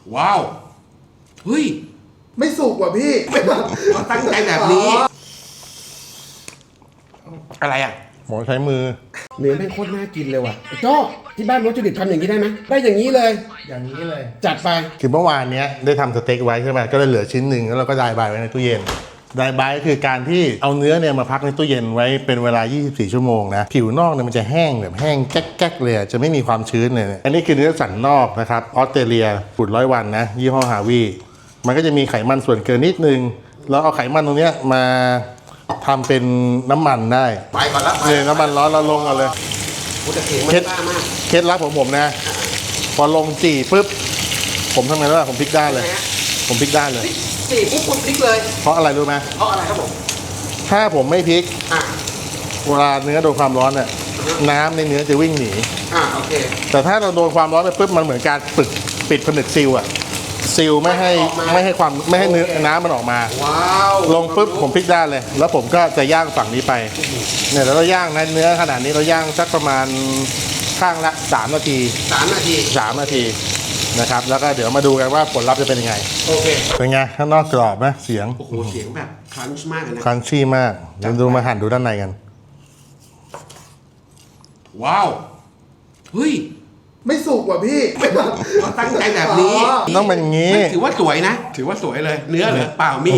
ว้าวเฮ้ยไม่สุกว่ะพี่เขาตั้งใจแบบนี้อะไรอ่ะหมอใช้มือเนื้อแม่งโคตรน่ากินเลยว่ะโจ้ที่บ้านวัตถุดิบทำอย่างนี้ได้ไหมได้อย่างนี้เลยอย่างนี้เลยจัดไปคือเมื่อวานเนี้ยได้ทำสเต็กไว้ใช่ไหมก็เลยเหลือชิ้นหนึ่งแล้วเราก็ดายบายไว้ในตู้เย็นดายบายก็คือการที่เอาเนื้อเนี่ยมาพักในตู้เย็นไว้เป็นเวลา 24 ชั่วโมงนะผิวนอกเนี่ยมันจะแห้งแบบแห้งแก๊กๆเลยจะไม่มีความชื้นเลยอันนี้คือเนื้อสันนอกนะครับออสเตรเลียขุด100 วันนะยี่ห้อฮาวีมันก็จะมีไขมันส่วนเกินนิดนึงแล้วเอาไขมันตรงเนี้ยมาทำเป็นน้ำมันได้ไปก่อนละเนี่ยน้ำมันร้อนเราลงกันเลยกูจะเสียงมันกล้ามากเคล็ดลับของผมนะ พอลงจี่ปุ๊บผมทำไงรู้ป่ะผมพลิกด้านเลย ผมพลิกด้านเลยสี่ปุ๊บคุณพลิกเลยเพราะอะไรรู้ไหมเพราะอะไรครับผมถ้าผมไม่พลิกอ่ะเวลาเนื้อโดนความร้อนเนี่ยน้ำในเนื้อจะวิ่งหนีโอเคแต่ถ้าเราโดนความร้อนไปปุ๊บมันเหมือนการปิดผนึกซีลอะซีลไม่ให้เนื้อน้ำมันออกมาว้าวลงปุ๊บผมพลิกด้านเลย แล้วผมก็จะย่างฝั่งนี้ไปเนี่ยแล้วเราย่างนะเนื้อขนาดนี้เราย่างสักประมาณข้างละ3 นาที 3 นาที 3 นาทีนะครับแล้วก็เดี๋ยวมาดูกันว่าผลลัพธ์จะเป็นยังไงโอเคเป็นไงข้างนอกกรอบไหมเสียงโอ้โหเสียงแบบครันช์มากเลยนะครันชี่มากเดี๋ยวดูมาหั่นดูด้านในกันว้าวเฮ้ยไม่สุกว่ะพี่เขาตั้งใจแบบนี้ต้องเป็นอย่างนี้ถือว่าสวยนะ ถือว่าสวยเลย เนื้อเหรอเปล่ามีด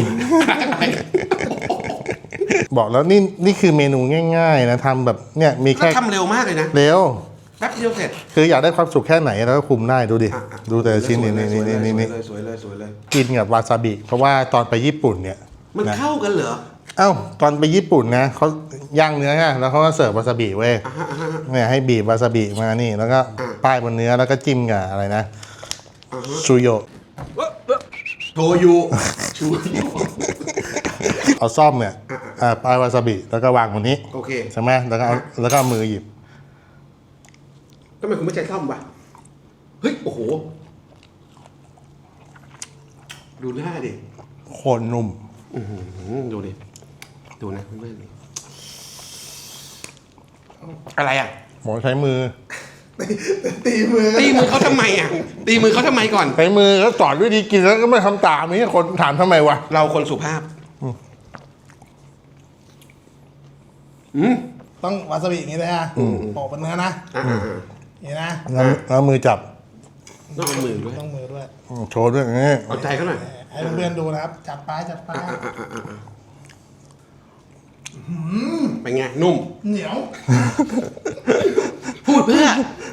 บอกแล้วนี่คือเมนูง่ายๆนะทำแบบเนี่ยมีแล้วแค่ทำเร็วมากเลยนะเร็วแป๊บเดียวเสร็จคืออยากได้ความสุขแค่ไหนแล้วก็คุมได้ดูดิดูแต่ละชิ้นนี่สวยเลยนี่สวยเลยสวยเลยกินกับวาซาบิเพราะว่าตอนไปญี่ปุ่นเนี่ยมันนะเข้ากันเหรอเอ้าตอนไปญี่ปุ่นนะเขาย่างเนื้อไงแล้วเขาก็เสิร์ฟวาซาบิเว้ยเนี่ยให้บีบวาซาบิมานี่แล้วก็ป้ายบนเนื้อแล้วก็จิ้มกับอะไรนะชูโยโชยุชูยุเอาซ่อมเนี่ยป้ายวาซาบิแล้วก็วางบนนี้โอเคใช่ไหมแล้วก็เอามือหยิบทำไมคุณไม่ใช้ซ่อมวะเฮ้ย โอ้โห ดูหน้าดิโคตรนุ่มดูดิ ดูนะเพื่อนๆนี่อะไรอ่ะหมอใช้มือตีมือตีมือเขาทำไมอ่ะ ตีมือเขาทำไมก่อนใช้มือแล้วสอนวิธีกินแล้วก็ไม่ทำตามนี่คนถามทำไมวะเราคนสุภาพต้องวาซาบิอย่างนี้เลยฮะโปะเป็นเนื้อนะนี่นะแล้วมือจับต้องเอามือด้วยต้องมือด้วยโชว์ด้วยอย่างนี้เอาใจเขาหน่อยให้เพื่อนๆดูนะครับ จัดไปจัดไปเป็นไง นุ่มเหนียวพูดเพื่อ